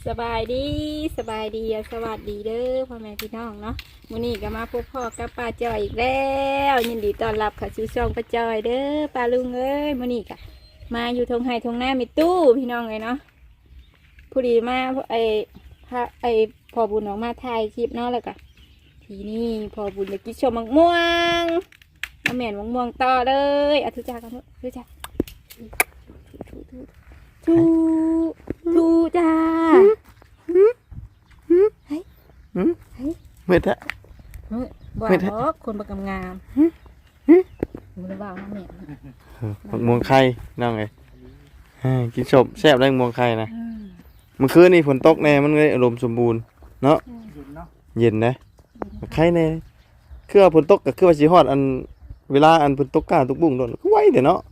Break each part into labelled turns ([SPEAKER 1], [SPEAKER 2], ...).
[SPEAKER 1] สบายดีสบายดีสวัสดีเด้อพ่อแม่พี่น้องเนาะมื้อนี้ก็มาพบพ่อกับป้าจอยอีกแล้วยินดีต้อนรับค่ะสู่ช่องป้าจอยเด้อป้าลุงเอ้ยมื้อนี้ก็มาอยู่ทงไห้ทงหน้ามีตู้พี่น้องเลยเนาะผู้ดีมาพอบุญออกมาถ่ายคลิปเนาะแล้วก็ทีนี้พอบุญจะกินชมมะม่วงมาแม่นมะม่วงต่อเลยทุจ้ากันทุจ้าทูจ้าเฮ้ย
[SPEAKER 2] ไม่ได้
[SPEAKER 1] บ่าวบอกคนประกำงามมึงได้บ่าวนะแม่
[SPEAKER 2] มวงไข่นั่งไงกินศพแซ่บได้มวงไข่นะเมื่อคืนนี่ฝนตกแน่มันเลยอารมณ์สมบูรณ์เนาะเย็นนะไข่แน่คือฝนตกกับคือว่าสีฮอดอันเวลาอันฝนตกกล้าตุกบุ้งโดนก็ไวเดี๋ยวเนาะ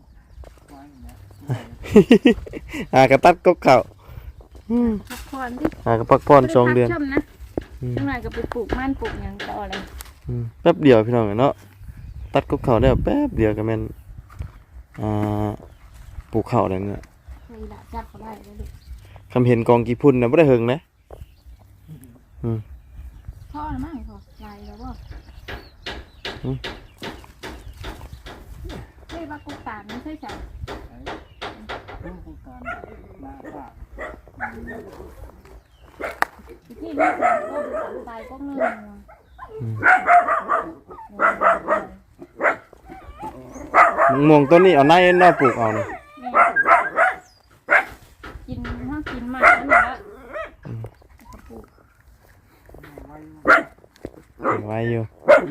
[SPEAKER 2] กระตัดกบเข่า
[SPEAKER 1] พักผ่อนดิ
[SPEAKER 2] กระพักผ่อน2 เดือน
[SPEAKER 1] จังหวะก็ไปปลูกมันปลูกอย่างต่ออะไร
[SPEAKER 2] แป๊บเดียวพี่น้องเนาะตัดกบเข่าได้แป๊บเดียวก็แม่นปลูกเข่าอะไรเนี่ย
[SPEAKER 1] จับเขาได้เลย
[SPEAKER 2] คำเห็นกองกี่พุ่นนะไม่ได้เฮงนะ
[SPEAKER 1] พ่อหรือไม่พ่อลายแล้วบ่เฮ้ยว่ากูตามไม่ใช่ใช่ที่นี่ก็ตายก็เงื่อน
[SPEAKER 2] มวงต้นนี้เอาในนอปลูกเอาเนี่ย
[SPEAKER 1] กินถ้ากินหมากนั่นแหละ
[SPEAKER 2] ไว้อยู่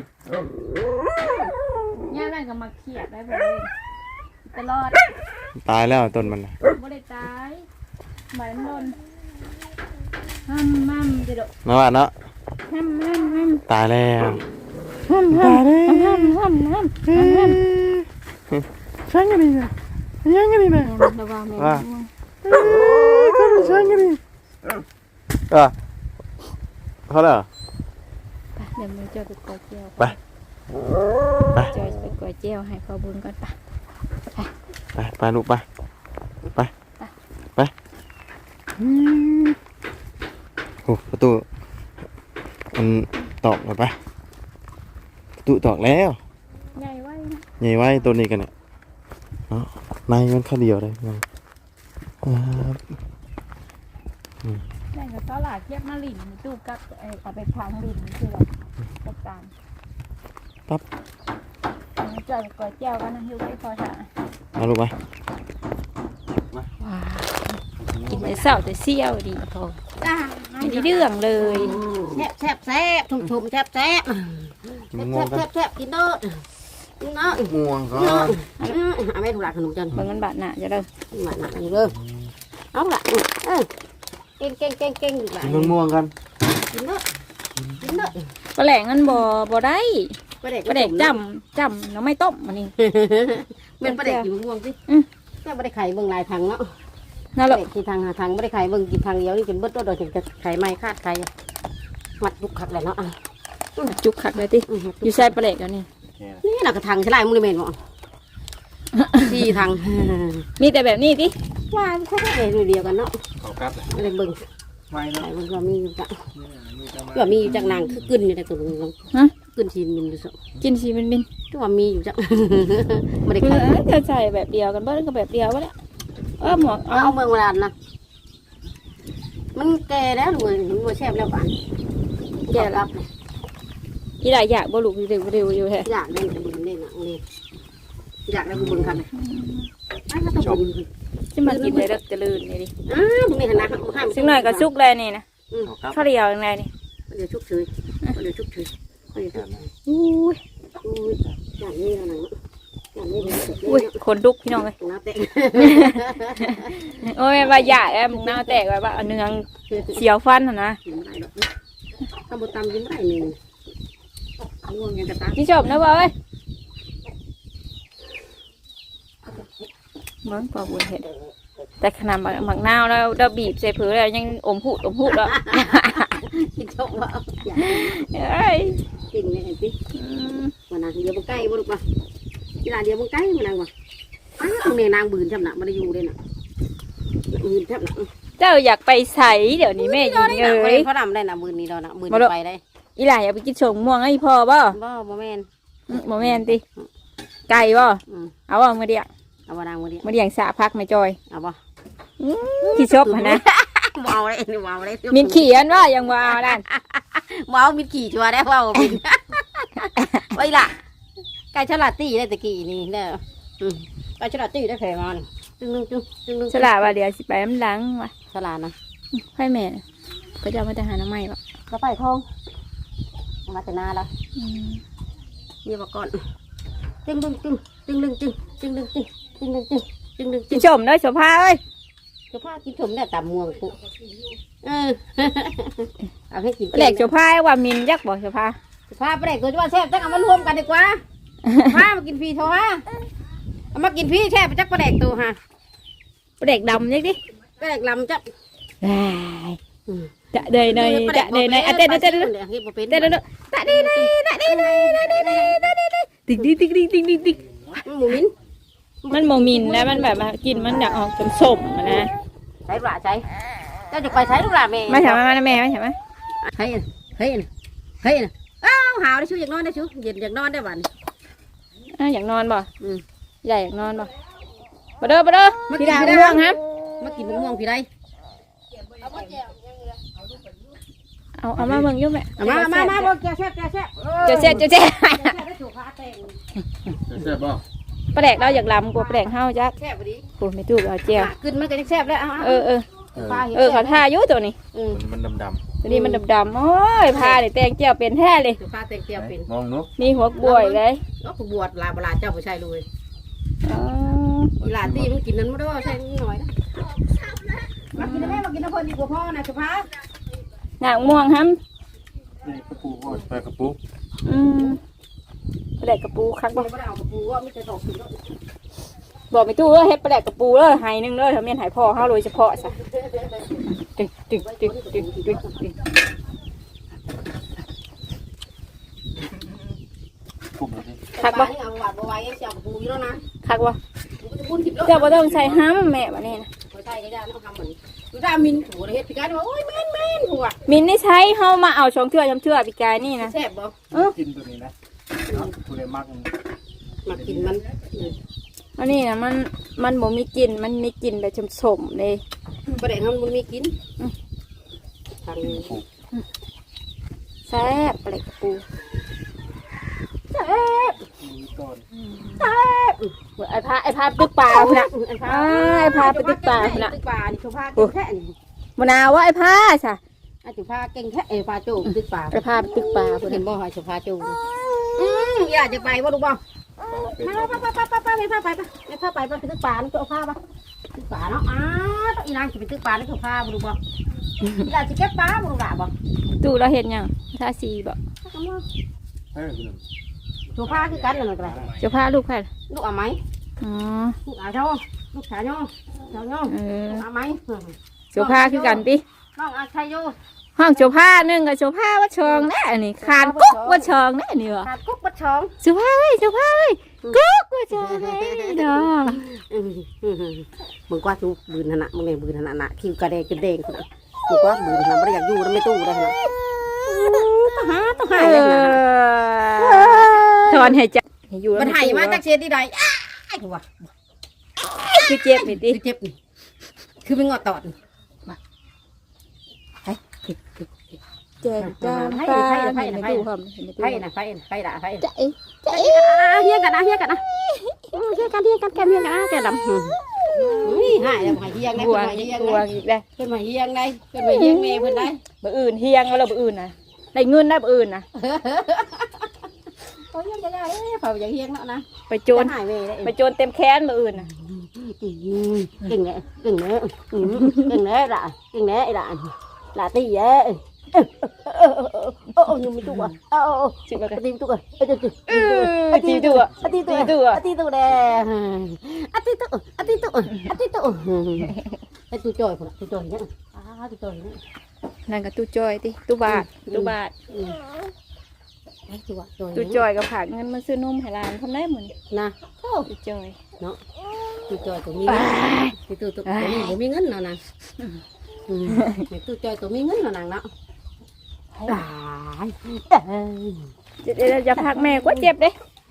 [SPEAKER 1] ย่าแม่ก็มาเขียดได้เลยตลอด
[SPEAKER 2] ตายแล้วต้นมัน
[SPEAKER 1] ไม่ได้ตายหมายมันโดนมั่มเด็ด
[SPEAKER 2] มาว่าเนาะตายแล้วตายแล้วช่างกันดีนะยังกันดีนะว่าช่างกันดีเขาเลย
[SPEAKER 1] เดี๋ยวมือจะไปกอเจียว
[SPEAKER 2] ไป
[SPEAKER 1] จอยไปกอเจียวให้พ่อบุญก่อน
[SPEAKER 2] ไปลูกไปโอ้ประตูมันตอกเลยไปประตูตอกแล้ว
[SPEAKER 1] ใหญ่
[SPEAKER 2] ไว้ตัวนี้กันเนี่ยในมันข้าเดียวเลย
[SPEAKER 1] แม่ก็ตลาดเทียบมาหลินตู้กับเอาไปพังหลินคือเราจัดการ
[SPEAKER 2] ปั๊บ
[SPEAKER 1] จอยกอเจียวกันนะอยู่ใกล้คอถ่า
[SPEAKER 2] มาลูกไป
[SPEAKER 1] กินแต่เศร้าแต่เซี่ยวดีพอไม่ได้เรื่องเลย
[SPEAKER 3] แซ่บชุ่มแซ่บกินเด้อกินเนาะ
[SPEAKER 2] ม่วงก็
[SPEAKER 3] ไม่ถูกหลักขนมจัน
[SPEAKER 1] บางกันบาดหนาจะเด้
[SPEAKER 3] อบาดหนาอยู่เด้อเอาละเก่งอยู่หลาย
[SPEAKER 2] กินม่วงกัน
[SPEAKER 3] กินเด้อ
[SPEAKER 1] ปลาแหลงมันบ่ได้ปลาแดกจำเราไม่ต้มมันนี่
[SPEAKER 3] เป็นปลาแดกอยู่ม่วงสิแม่ปลาแดกไข่เบิ่งลายทางเนาะ
[SPEAKER 1] นั่นแหละ
[SPEAKER 3] กี่ทางทางไม่ได้ไข่เบิ่งกี่ทางเดียวนี่จนเบิดตัวโดยถึงจะไข่ไม้คาดไข่มัดจุกขัดเลยเนาะ
[SPEAKER 1] จุกขัดเลยติอยู่ใส่ปลาแหลกแล้ว
[SPEAKER 3] นี่น่ะกระทางใช่ไรมึงเลยเมนบ่ที่ทาง
[SPEAKER 1] มีแต่แบบนี้ติ
[SPEAKER 3] ว่าแค่เดียวกันเนาะไม่ได้เบิ่งไข่มันก็มีอยู่จ้ะก็มีอยู่จากนางคือกึ่นอยู่ในตัวนึงกึ่นชีนมินดูสิ
[SPEAKER 1] กินชีมิน
[SPEAKER 3] ก็ว่ามีอยู่จ้ะไม่ได้ไข่
[SPEAKER 1] จะใส่แบบเดียวกันเบิ้ลก็แบบเดียววะเนี่ยหมวก
[SPEAKER 3] เอาเมืองเวลานะมันแก่แล้วหนูมันแซ่บแล้วป่ะ
[SPEAKER 1] แก่รับอีหลายอยากบ่ลูกเร็วอยู่แท้
[SPEAKER 3] อยากได้บุญได้นะนี่อยากได้บุญกันเลยต้องบุญ
[SPEAKER 1] จะมากินเลยเด็กจะลื่นนี่ดิ
[SPEAKER 3] บุญนี่ขนาด
[SPEAKER 1] ซึ่งหน่อยก็ชุกเลยนี่นะข้าวเดียวยังไงนี่
[SPEAKER 3] เดี๋ยวชุกเฉย
[SPEAKER 1] อุ้ย
[SPEAKER 3] อย่างนี้นะ
[SPEAKER 1] อุ้ยคนลุกพี่น้องเลยโอ้ยว่าใหญ่มึงหน้าแตกว่าเนื้อเสียวฟันนะ
[SPEAKER 3] ข้าวบดตำยิ้มได้หนึ่งง่วงยังกระตัก
[SPEAKER 1] นี่จบนะเว้ยเหมือนปลาบุญเห็ดแต่ขนาดหมักนาวแล้วเราบีบใส่ผืนแล้วยังอมหูดแล้ว
[SPEAKER 3] กินชกว่า
[SPEAKER 1] กิน
[SPEAKER 3] เนี่ยสิวันนั้นเดี๋ยวมันใกล้บ่ลูกป่ะเวลาเดี๋ยวมันใกล้มันนางว่ะตรงนี้นางบืนจำหนักมาได้อยู่เลยน่ะบืนจำหนัก
[SPEAKER 1] เจ้าอยากไปใสเดี๋ยวนี้แม่ยิงเอ้ย
[SPEAKER 3] เขาดำได้นะมือนี้เรานะมือไปได้
[SPEAKER 1] อีหล่าอยากไปกินชมม่วงไอ้พ่อบ่
[SPEAKER 3] บ่แม่น
[SPEAKER 1] บ่แม่นติไก่บ่เอาบ่มื้อเดียว
[SPEAKER 3] เอาบ่นางมือเดียว
[SPEAKER 1] มื้อเดียวสะพักไม่จอย
[SPEAKER 3] เอาบ่
[SPEAKER 1] ที่ชอบหั่นนะ
[SPEAKER 3] เมาเลยนี่เมาเลย
[SPEAKER 1] มินขี้อันว่ายังว่าเอานั่น
[SPEAKER 3] เมามิดขี่ชัวได้เว่าบินไว้ล่ะไก่ฉลาดตีได้ตะกี้นี่เด้อไก่ฉลาดตีได้แผลมันจึงนึงจึง
[SPEAKER 1] สลาว่าเดี๋ยวสิไปน้ำหลังว่ะ
[SPEAKER 3] ฉลาดนะ
[SPEAKER 1] ให้แม่ก็จะเอามาแต่หาน้ำใหม่บ่
[SPEAKER 3] ก็ไปคลองมาแต่นาแล้วนี่บอกก่อนจึง
[SPEAKER 1] กินชมเด้อโสภาเอ้ย
[SPEAKER 3] จะพากินชมเนี่ยตำม่วงปุ๊เอาให้กิน
[SPEAKER 1] แหลกโสภาว่ามินยักบ่โสภา
[SPEAKER 3] พาไปไหนตัวจะว่าแซ่บจักเอามารวมกันดีกว่าพามากินพี่โทรฮะเอามากินพี่แช่ไปจักปลาแดกตัวฮะ
[SPEAKER 1] แหลกดำยักดิ
[SPEAKER 3] ปลาแดกลำจัก
[SPEAKER 1] จะเดยเนยจะเดยเนยเต้นเต้นเต้น
[SPEAKER 3] เฮ็ดบ่เป็น
[SPEAKER 1] เต้นเต้นตะดีเนยตะดีเนยตะดีเนยตะดีเนยติ๊กติ๊กติ๊กติ๊กติ๊กติ๊ก
[SPEAKER 3] หมูมิ้น
[SPEAKER 1] มันโมมินนะมันแบบกินมันอยากออกสมๆนะ
[SPEAKER 3] ใช้ปลาใช้เจ้าจะไปใช้ลูกหลานแม่
[SPEAKER 1] ไม่ใช่ไหมแม่ไม่ใช่ไหม
[SPEAKER 3] เฮ้ยอ้าวหาวได้ชูอยากนอนได้ชูเย็นอยากนอนได้บ้าน
[SPEAKER 1] อยากนอนบ่ใหญ่อยากนอนบ่มาเด้อพี่ดาวง่วงครับ
[SPEAKER 3] มากินมะม่วงพี่ได้
[SPEAKER 1] เอามาเมืองยุ่งแม่
[SPEAKER 3] มาบอกแกแซ่บ
[SPEAKER 1] เจ้าเจ๊
[SPEAKER 2] แซ่บบ่
[SPEAKER 1] ปลาแดกเราอยากลำกว่าปลาแดกเฮาจัก
[SPEAKER 3] แซ่บพอดี
[SPEAKER 1] โอ้ไม่ถูกเอาเจียว
[SPEAKER 3] ขึ้นมันก็จะแซ่บแล้ว
[SPEAKER 1] เขาท่ายุ่ตัวนี้
[SPEAKER 2] มันดำ
[SPEAKER 1] ตัวนี้มันดำๆโอ้ยพาเลยแตงเจียวเป็นแท้เลย
[SPEAKER 3] ปลาเต็งเตียวเป็น
[SPEAKER 2] มองนุ๊ก
[SPEAKER 1] นี่หัวบวยเลย
[SPEAKER 3] ก็บวชลาบลาเจ้าผู้ชายเลยลาตีมันกินนั้นไม่ได้ใช่หน่อยนะมากินได้มากินน้ำเพลินดีกว่าพ่อนะสุภาพ
[SPEAKER 1] หนังม่วงครับ
[SPEAKER 2] นี่กระปูก็ไปกระปู
[SPEAKER 1] ปลาแดกกระปูคักบ่
[SPEAKER 3] ไม่ได้เอากระปูว่าไม่จะตกถึง
[SPEAKER 1] บอกไม่ตู้เฮ็ดปลาแดกกระปูเลยหายนึงเลยทำเมียนหายพ่อเฮาโดยเฉพาะซะตึกคักบ่
[SPEAKER 3] เอาหวานบัวไว้เสียกระปูอยู่แล้วนะ
[SPEAKER 1] คักบ่
[SPEAKER 3] บุญทิพย์
[SPEAKER 1] เจ้าบ่ต้องใส่ห้ำแม่บ่นี่นะ
[SPEAKER 3] ไม่ใช่ได้ต้องทำเหมือนดูได้มินถูเฮ็ดพิการว่าโอ้ยแม่นหัว
[SPEAKER 1] มินได้ใช้เฮามาเอาช่องเทื่อชำเทื่อปีกายนี่นะ
[SPEAKER 3] แซ่บบ่
[SPEAKER 2] กินตัวนี้นะตัวนี้มัก
[SPEAKER 3] มากินมัน
[SPEAKER 1] อันนี้นะมันบ่มีกลิ่นมันมีกลิ่นแบบสมๆเลย
[SPEAKER 3] ประเด็นมันมีกินทาง
[SPEAKER 1] แซ่บปลาแดกกระปู
[SPEAKER 3] แซ่บ
[SPEAKER 1] ไอ้พาตึกปลาพุ่นน่ะไอ้พาไปตึกปลาพุ่นน่ะ
[SPEAKER 3] ตึกปลานี่เขาพาเก่งแค่นี่
[SPEAKER 1] มะนาวว่าไอ้พาซะ
[SPEAKER 3] อาจุพาเก่งแค่พาโจมตึกปลา
[SPEAKER 1] ไอ้พาไปตึกปลาพุ่น
[SPEAKER 3] เห็
[SPEAKER 1] น่ะ
[SPEAKER 3] นบ่หอยจุพาโจมอยากจะไปบ่ลูกบ่ไม่พาไปตึกปลานี่เอาผ้าปะตึกปลาเนาะอีนางจะไปตึกปลานี่เขาพาบ่ลูกบ่อยากจะเก็บปลาบ่ลูกหล่ะบ่
[SPEAKER 1] ตู้เราเห็นยังท่าสีบ่
[SPEAKER 3] จุพาคือกันนั่นแหละ
[SPEAKER 1] เจ้าพาลูกแพทย์
[SPEAKER 3] ลูกเอาไหม
[SPEAKER 1] อ๋อ
[SPEAKER 3] ลูกเอาเจ้าลูกชายเนาะเจ้าเนาะ เอาไหม
[SPEAKER 1] เจ้าพาคือกันติ
[SPEAKER 3] น้องอาชัยโย
[SPEAKER 1] ห้องเจ้าพาหนึ่งกับเจ้าพาว่าชองแน่นี่คานกุ๊กว่าชองแน่นี่วะ
[SPEAKER 3] ขาดกุ๊กบัดช้อง
[SPEAKER 1] เจ้าพาเอ้ยกุ๊กว่าชองแน่เด้อ
[SPEAKER 3] มึงกว่าทุกบืนนะมึงเนี่ยบืนนะคิวกระเดงกระเดงนะมึงกว่าบืนนะไม่อยากอยู่แล้วไม่ตู้ได้นะต้องหาเลยนะ
[SPEAKER 1] ถอนหายใจอยู่
[SPEAKER 3] มันหายมาจากเชียร์ที่ใดไอ้หัว
[SPEAKER 1] คือเจ็บนี่ติ
[SPEAKER 3] เจ็บนี่คือเป็นงอตอด
[SPEAKER 1] เจ็บจามปลาเห็นในตู้หอมเห็นในตู้
[SPEAKER 3] ไฟนะไฟด่าไฟ
[SPEAKER 1] ใจใจ
[SPEAKER 3] เฮียกันนะแกมแกดำหายแล้วหายเฮียงได้
[SPEAKER 1] บวง
[SPEAKER 3] หายเฮียง
[SPEAKER 1] บว
[SPEAKER 3] ได้
[SPEAKER 1] งอีกได้
[SPEAKER 3] เป็นหายเฮียงได้เป็นหายเฮียงเมย์เพิ่นได้
[SPEAKER 1] บ่อื่นเฮียงแล้วบ่อื่นนะได้เงินได้บ่อื่นนะ
[SPEAKER 3] โอ้ยยังไงเผาอย่างเฮียงแล้วนะ
[SPEAKER 1] ไปโจร
[SPEAKER 3] หายเมย์ได้
[SPEAKER 1] ไปโจรเต็มแค้นบ่อื่นนะ
[SPEAKER 3] เก่งเลยล่ะตีเอ้โอ้ยังไม่ตัวสิมาตีตัวตีตัวตีตัวแดงตีตัวจอยคนตีจอยเนี่ยตีจอยเนี่ย
[SPEAKER 1] นั่นก็ตู้จอยติตู้บาทตู้จอยก็ฝากเงินมาซื้อนมให้หลานทำได้หมด
[SPEAKER 3] นะ
[SPEAKER 1] ตู้จอย
[SPEAKER 3] เนาะตีจอยตรงนี้ตีตัวนี้ผมมีเงินเนาะนะไม่ตู้จอยตัวมีเงินหรอนางเนาะตาย
[SPEAKER 1] เดี๋ยวจะพักแม่ก็เจ็บเด้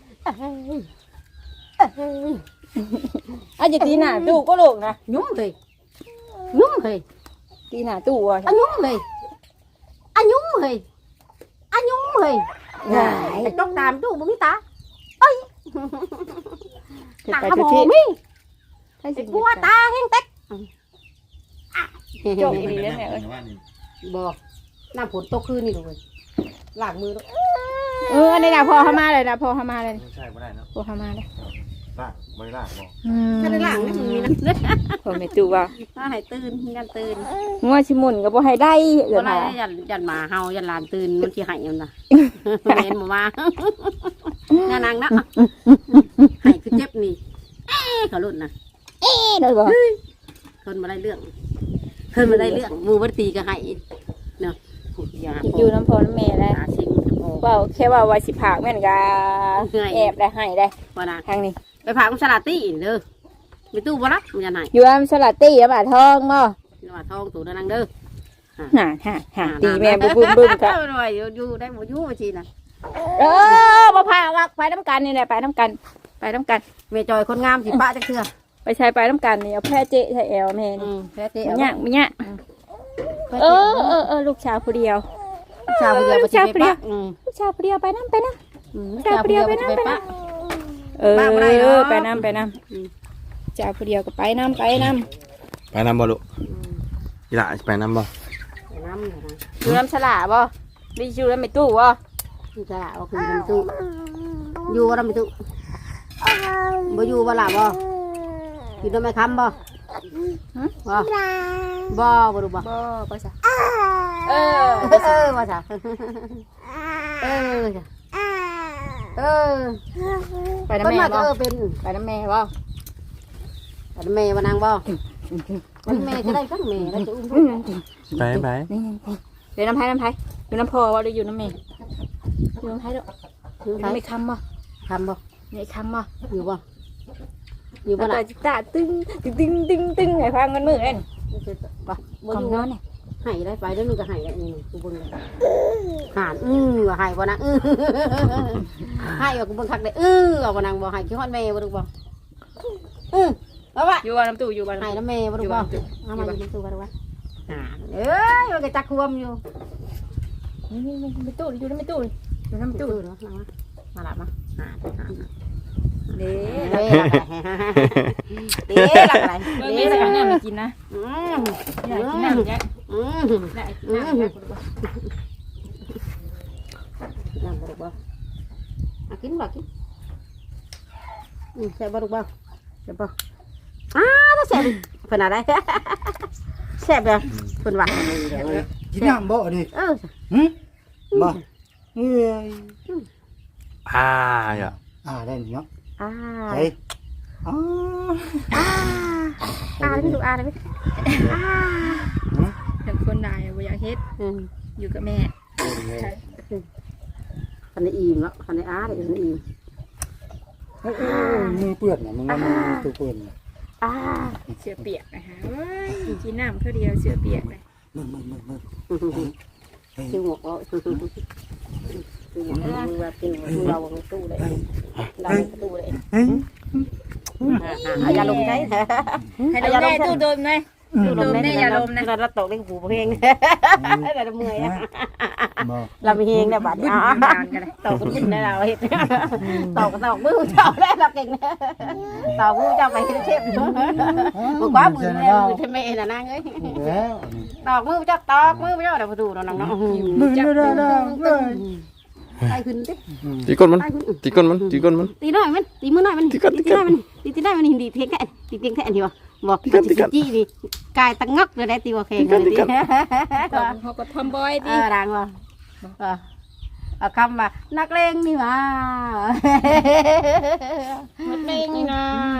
[SPEAKER 1] อาจจะตีหน้าตู้ก็ลูกนะ
[SPEAKER 3] nhúng thì
[SPEAKER 1] ตีหน้าตู้อ่ะ
[SPEAKER 3] anh nhúng thì anh nhúng thì anh nhúng thì
[SPEAKER 1] Này.
[SPEAKER 3] trong đàm chú bố ta
[SPEAKER 1] เดี๋ยว
[SPEAKER 3] ตา
[SPEAKER 1] ไป
[SPEAKER 3] บ
[SPEAKER 1] จะ
[SPEAKER 3] อ
[SPEAKER 1] ที่
[SPEAKER 3] มี
[SPEAKER 1] ให้สิ
[SPEAKER 3] กลัวตาแห้งเต็ก
[SPEAKER 1] จบดีแล้วแม่เอ้ย
[SPEAKER 3] บ่น้ำฝนตกคืนนี่เลยล้างมือด้วย
[SPEAKER 1] ในน่ะพอเข้ามาเลยนะพอเข้ามาเลย
[SPEAKER 2] ไม่ใช่บ่ได้เนาะ
[SPEAKER 1] พอเข้ามาเลย
[SPEAKER 2] ลากบ่ได้ลากบ่
[SPEAKER 3] ถ้าได้ล้างนี่มึงมีนะ
[SPEAKER 1] พอไม่ตู้ว่า
[SPEAKER 3] ถ้าให้ตื่นยันตื่น
[SPEAKER 1] งัวชิมุนก็บ่ให้ได้เอือ
[SPEAKER 3] ก็
[SPEAKER 1] น
[SPEAKER 3] ได้
[SPEAKER 1] มา
[SPEAKER 3] ยันหมาเฮายันหลานตื่นมันสิให้มันน่ะเห็นบ่มาเนี่ยนางนะให้คือเจ็บนี่เขาลุ่นน่ะ
[SPEAKER 1] เลยบ่
[SPEAKER 3] เพิ่นมาได้เรื่องเพิ่นมาได้เรื่องหมู่บ่ตีก็ให้เนาะอย่า
[SPEAKER 1] อยู่น้ำพอน้ำแม่ได้
[SPEAKER 3] หาสิ่งโอ้
[SPEAKER 1] ว่าแค่ว่าสิผากแม่นก็แอบได้ให้ได้
[SPEAKER 3] ว่านะ
[SPEAKER 1] ทางนี้
[SPEAKER 3] ไปพาของสลัดตี้เด้อไปตู้บ่รับมันยันให้
[SPEAKER 1] อยู่อำสลัดตี้แล้วบาทองบ่
[SPEAKER 3] ว่าทองตู่นางเด้อ
[SPEAKER 1] ห่าตีแม่บึ้มๆก็
[SPEAKER 3] อยู่ได้บ่อยู่ว่าสิน่ะ
[SPEAKER 1] บ่พาวักไปน้ำกันนี่แหละไปน้ำกันไปน้ำกัน
[SPEAKER 3] แม่จอยคนงามสิปะจักเทื่อ
[SPEAKER 1] ไปใช้ไปน้ำกันนี่เอาแพ้เจ๊ใช้แอลแม่นี่
[SPEAKER 3] แพ้เตะ
[SPEAKER 1] มันยากมันยากลูกชาวผู้เดียว
[SPEAKER 3] ชาวเดียวบ่สิไปปะ
[SPEAKER 1] ลูกชาวผู้เดียวไปน้ำไปน้ำ
[SPEAKER 3] ชาวเดียวบ่สิไปปะ บ้าบ่ได้เนาะ
[SPEAKER 1] ไปน้ำไปน้ำชาวผู้เดียวก็ไปน้ำ
[SPEAKER 2] ไปนำบ่ลูกอีหล่ะไปนำบ่
[SPEAKER 3] น้ำนะ
[SPEAKER 1] อยู่น้ำฉลาบ่ดิอยู่น้ำไม่ตู้บ่
[SPEAKER 3] นี่จะเอาคืนไปตู้อยู่บ่ได้ไปตู้บ่อยู่บ่ล่ะบ่อยู่นำแม่ค้ำบ่บ่บ่รู้บ่
[SPEAKER 1] บ่ก็ซะ
[SPEAKER 3] ว่าจ้ะ
[SPEAKER 1] ไปน้ำแม่บ่
[SPEAKER 3] เป็น
[SPEAKER 1] ไปน้ำแม่บ่
[SPEAKER 3] แม่ว่านางบ่วันแม่ก็ได้ทั้งแม่แล้วจะอุ้ม
[SPEAKER 2] ไป
[SPEAKER 1] เดี๋ยวน้ำไผ่อยู่น้ำพอบ่หรืออยู่น้ำแม่อยู่น้ำไผ่ด้วย
[SPEAKER 3] ถือ
[SPEAKER 1] น้ำ
[SPEAKER 3] ไป
[SPEAKER 1] ไม่คำบ่
[SPEAKER 3] ทำบ่
[SPEAKER 1] ไม่คำบ่
[SPEAKER 3] อยู่บ่อยู่บ่
[SPEAKER 1] ตา
[SPEAKER 3] ล่ะ
[SPEAKER 1] จิตาตึ้งไอ้พังมันมือเอ็น
[SPEAKER 3] บ่บ่
[SPEAKER 1] ก
[SPEAKER 3] อ
[SPEAKER 1] อง
[SPEAKER 3] ยู่
[SPEAKER 1] นอนเนี่ย
[SPEAKER 3] ให้ได้ไปแล้วนึงก็ให้ได้นี่กูเบิ่งหานว่าให้บ่นางให้ว่ากูเบิ่งคักได้ว่าบ่นางบ่ให้คิดฮอดแม่บ่ดูบ่ว่าว่า
[SPEAKER 1] อยู่บ้านน้ำตู้อยู่บ้าน
[SPEAKER 3] ให้
[SPEAKER 1] น้ำตู้
[SPEAKER 3] น้ำแม่บ่ดูบ่เอามาอยู่ตู้บ่ดูบ่เอ้ยว่าก็จักควมอยู่
[SPEAKER 1] นี่ไม่ตู้อยู่น้ำตู้อยู่น้ำตู้
[SPEAKER 3] ตู้เนาะมาละมาหา
[SPEAKER 1] เด้
[SPEAKER 3] เด้เด้หลักอะไร
[SPEAKER 1] เด้
[SPEAKER 3] เด้
[SPEAKER 1] สัก
[SPEAKER 3] หลัก
[SPEAKER 1] น้ำมากินนะ
[SPEAKER 3] อยาก
[SPEAKER 1] กิน
[SPEAKER 3] กิน
[SPEAKER 1] น้ำ
[SPEAKER 3] น้ำ
[SPEAKER 1] ยัก ได้น้ำยัก
[SPEAKER 3] น้ำบ่ดูบ่กินบ่กินใส่บ่ดูบ่ใส่บ่ถ้าแซ่บเพิ่นอะไรแซ่บเลยเพิ่นว่า
[SPEAKER 4] กินน้ำบ่ดิ บ่เอ้ย
[SPEAKER 2] อย่า
[SPEAKER 4] ได้เนาะ
[SPEAKER 3] อ่า
[SPEAKER 4] ไปอ๋อ
[SPEAKER 3] ได้ไหมดูได้ไหม
[SPEAKER 1] แต่คนนายบ่อยากเฮ็ดอยู่กับแม่
[SPEAKER 3] คันได้อิ่มแล้วคันได้ได้อิ่ม
[SPEAKER 4] มือเปื้อนน่ะมึงว่ามือตัวเปื้อน
[SPEAKER 1] เสือเปียกนะคะกินน้ำเท่าเดียวเสือเปียกเลย
[SPEAKER 4] มึง
[SPEAKER 3] ชื่อหมกเอาชื่อหมกมือว่าชื่อเราตู้เลยเราตู้เลยอย่าลงใช่
[SPEAKER 1] ให้เราแม่ตู้โดนไหมตู้โดนแม่อย่าลมนะ
[SPEAKER 3] เราตกได้หูเพลงเราเมื่อย
[SPEAKER 4] บ่
[SPEAKER 3] เรามีเพลงได้บัด
[SPEAKER 1] บึ้นนานกันเลย
[SPEAKER 3] ตกขึ้นได้เราเห็นตกมือเจ้าได้เราเก่งตกมือเจ้าไปเชฟบอกว่ามือแม่มือเทเมน่ะนางเอ้ย
[SPEAKER 4] แล้ว
[SPEAKER 3] ตอกมือเจ้าตอกมือเจ้าเดี๋ยวมาดูน้องๆ
[SPEAKER 4] มึงได้เลย
[SPEAKER 3] ไปขึ้นดิ
[SPEAKER 2] ตีก้นมัน
[SPEAKER 3] ไปขึ้น
[SPEAKER 2] ตีก้นมันตีก้นมัน
[SPEAKER 3] ตีหน่อยมันตีมือหน่อยมันตีได้มันตีได้มันดีเท่แค่ตีเพียงแค่อันเดียวบอกจี้ดิกายตั้งงักเลยได้ตีว่าแข่งเลยดิ
[SPEAKER 1] เขาก็ทำบอยดิ
[SPEAKER 3] ดังว่ะเอาคำว่านักเลงนี่มา
[SPEAKER 1] มันเองนี่นะ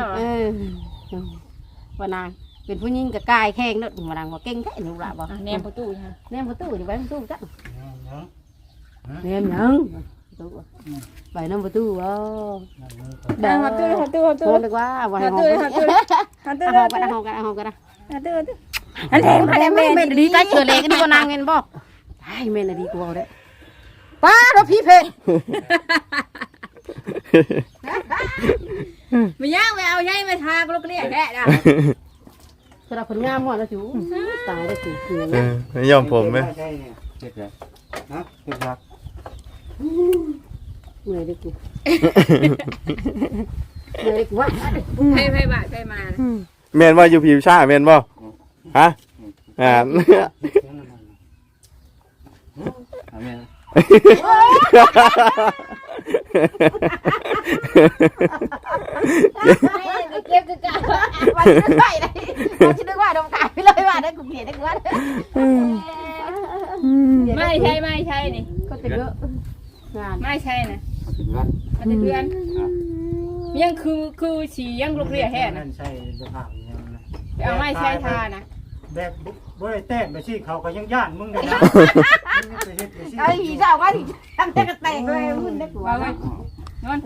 [SPEAKER 3] ว่านางเป็นผู้หญิงกับกายแข่งเนอะว่านางว่าเก่งแค่หนูละบอก
[SPEAKER 1] แนมประตูฮะ
[SPEAKER 3] แนมประตูอยู่ไปประตูจ้ะแนมยังไปน้ำประตูว้าว
[SPEAKER 1] หัดตู้
[SPEAKER 3] โทษเลยว่าว่าให้หอม
[SPEAKER 1] หัดตู้
[SPEAKER 3] เอาหอมกันเอาหอมกันเอาหอมกัน
[SPEAKER 1] หัดตู้อันแรงอันแรง
[SPEAKER 3] แม่นดีใจเกิดเลยกันดีกว่านางเงินบ่ไอ้แม่นดีกว่าเด้ป้าเราพี่เพ
[SPEAKER 1] ไม่ย่างไม่เอาใหญ่ไม่ทากลูกเรียกแค่นะ
[SPEAKER 3] สำหรับผลงามหมดแล้วจูตายได้จูคือ
[SPEAKER 2] ไม่ยอมผมไหม
[SPEAKER 4] ใช่เนี่ย
[SPEAKER 2] เจ็บเลย
[SPEAKER 4] ฮะเจ็บครับ
[SPEAKER 3] เหนื่อยได้กูเหนื่อยได้กูว่า
[SPEAKER 1] ไปบ้านไปมา
[SPEAKER 2] แม่นว่าอยู่ผิวชาแม่นบ่ฮะ
[SPEAKER 3] เก็บกันวันจะไปเลยวันจะนึกว่าดมกายไปเลยว่าได้กูเกลียดได้กูว่า
[SPEAKER 1] ไม่ใช่นี่
[SPEAKER 3] ก็จะเยอะงาน
[SPEAKER 1] ไม่ใช่นะมันจะเพื่อนยังคือฉี่ยังลูกเรียกแค่นะ
[SPEAKER 4] ใช่เสื้อผ้าอย่างนั้นนะ
[SPEAKER 1] เอาไม่ใช่ทานะ
[SPEAKER 4] แบบบ่ได้แต้มไปสิเขาก็ยังย่านมึงเลยนะ
[SPEAKER 3] ไอ้หีเจ้าว่าที่ทำแต่กระแตกเลยมึงได้กูว่า
[SPEAKER 1] นอน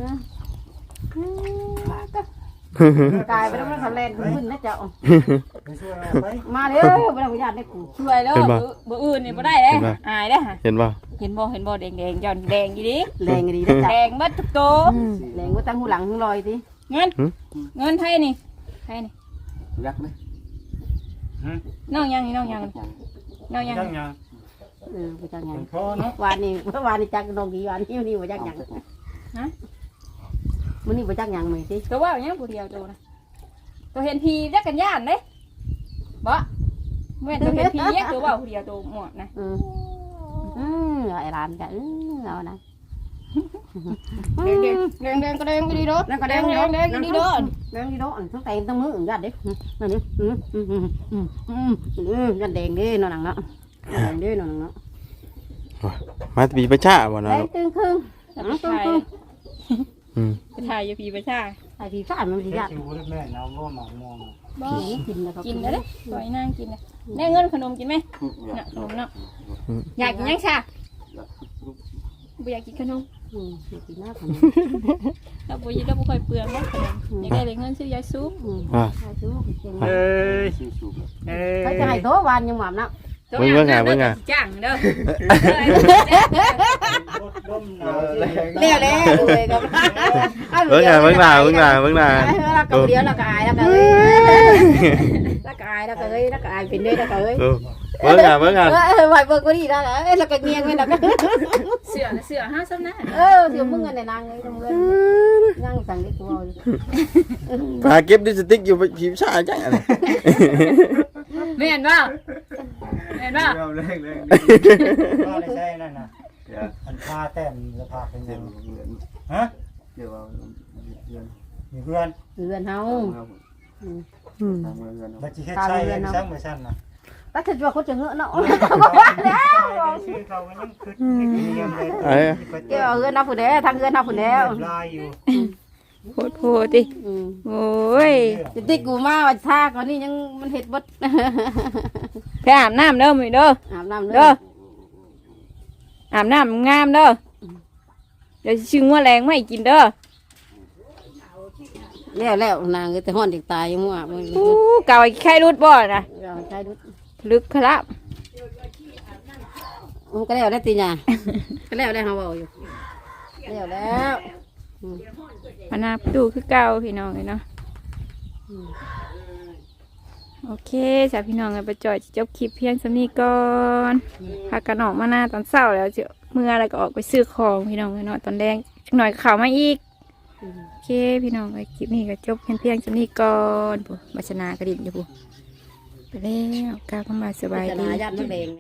[SPEAKER 3] กายไปแล้วมันทำแรงมึงนะเจ้า
[SPEAKER 4] ไปช่วยไป
[SPEAKER 3] มาเร็วไปแล้วญาติได้กู
[SPEAKER 1] ช่วยแล้วบ่อื่นนี่บ่ได้เลยอายได้ฮะ
[SPEAKER 2] เห็นป่ะ
[SPEAKER 1] เห็นบ่แดงย้อนแดงอยู่ดิ
[SPEAKER 3] แรงดีนะจ๊ะ
[SPEAKER 1] แดงเบิดทุกโต
[SPEAKER 3] แรงว่าตั้งหูหลังหูลอยดิ
[SPEAKER 1] เงินไทยนี่ไทยนี่
[SPEAKER 2] ยักไหม
[SPEAKER 1] น้องยังนี่น้องยังน้องยัง
[SPEAKER 4] ยังยัง
[SPEAKER 3] ไปจังยัง
[SPEAKER 4] พอเนาะ
[SPEAKER 3] วานนี้จักนองกี่วันนี่ไปจักยังฮะมื้อนี้ไปจักยังมั้ยสิ
[SPEAKER 1] ตัวว่าอย่างผู้เดียวตัวนะตัวเห็นพีจักกันย่านเด้บ่เมื่อตัวเห็นพีเนี่ยตัวว่าผู้เดียวตัวหมดนะ
[SPEAKER 3] ไอ้ร้านจ้ะเอานะ
[SPEAKER 1] แดงก็แดงไปดีโดแดงก็แดงดีโด
[SPEAKER 3] แดงดีโดทั้งแต่ทั้งมือญาติเด้นั่นนี่ยันแดงเด้นอนหนังเนาะแดงเด้นอนหนังเนาะ
[SPEAKER 2] มาปีประชาบ่
[SPEAKER 3] แด
[SPEAKER 2] เนาะ
[SPEAKER 3] งตึงครึ่ง
[SPEAKER 1] ไปถ่ายอยู่พีประชา
[SPEAKER 3] ไอ้พี่ฟ้ามันสิญาติ
[SPEAKER 4] ชิวแม่น้ำว่าหมากมอง
[SPEAKER 1] บ่
[SPEAKER 3] กินนะครับ
[SPEAKER 1] กินแล้วเด้ปล่อยนางกินเลยได้เงินขนมกินไหมน่ะขนมเนาะอยากกินยังชาบ่อยากกินขนม
[SPEAKER 3] กินหน้าขนม
[SPEAKER 1] เราบ่ค่อยเปลืองเนาะขนมอยากได้เลยเงินซื้อยาสูบ
[SPEAKER 3] เขาจะให้โตวันยังหม่ำนะ
[SPEAKER 1] จ้างเด้อ
[SPEAKER 4] ร่มหนาว
[SPEAKER 3] เลี้ยวเลยกับ
[SPEAKER 2] เบิ่งหน้าเ
[SPEAKER 3] เราเดียวเราก็อายเราก็อายเป็นด้วยเราก็เอ้ย
[SPEAKER 2] เบิ่งหน้า
[SPEAKER 3] ไหวเบิกก็ดีแล้วเราก็เงียงไว้เราก็
[SPEAKER 1] เสือห้าซ้ำหน้า
[SPEAKER 3] เดี๋ยวมึงเงินในนางเลยมึงนั่งสั่งได้ตัว
[SPEAKER 2] พาเก็บดิสติกอยู่ผิวชาจังอะไร
[SPEAKER 1] ไม่เห็นป่ะเห็นป่ะ
[SPEAKER 4] ก็เลยใช่นั่นน่ะอันพาแต้มจะพาเป็นยังฮะมีเพื่อน
[SPEAKER 3] เรือนเฮา
[SPEAKER 4] บัจิเฮ็ดใช่ซ้ำเหมือนฉันนะ
[SPEAKER 3] ถ้าจะว่าเขาจะเงอะเนาะ
[SPEAKER 4] ชื่อเขายังคือเงียบเลย
[SPEAKER 3] เกี่ยวเงินเอาผู้เดียวทางเงินเอาผู้เดียว
[SPEAKER 4] ลายอยู่
[SPEAKER 1] โพดดิโอ้ย
[SPEAKER 3] จะติกูมาวันท่าก่อนนี่ยังมันเห็ดบด
[SPEAKER 1] ไปอาบน้ำเด้อมึงเด้อ
[SPEAKER 3] อาบน้ำเลย
[SPEAKER 1] เด้ออาบน้ำงามเด้อเดี๋ยวชื่อว่าแรงไม่กินเด้อ
[SPEAKER 3] แล้วนางแต่ห้อนเด็กตายยังมั่วมึง
[SPEAKER 1] เก่าไข่รุดบ่นะ
[SPEAKER 3] ใช่ดู
[SPEAKER 1] ลึกครับ
[SPEAKER 3] ก็แล้วได้ตีน่ะก็แล้วได้เฮาเว้าอยู่แล้ว
[SPEAKER 1] มานาดูคือเก่าพี่น้องเลยเนาะโอเคจ้ะพี่น้องกันไปจ่อยจบคลิปเพียงสำนี้ก่อนพากันออกมาหน้าตอนเช้าแล้วจะเมื่ออะไรก็ออกไปซื้อของพี่น้องเลยเนาะตอนแดงจักหน่อยข่าวมาอีกโอเคพี่น้องไปคลิปนี้ก็จบเพียงสำนี้ก่อนบัชนากระดิ่งอยู่ปุ๊ไปแล้วก้าวเข้ามาสบายดี
[SPEAKER 3] ญาติมันแดง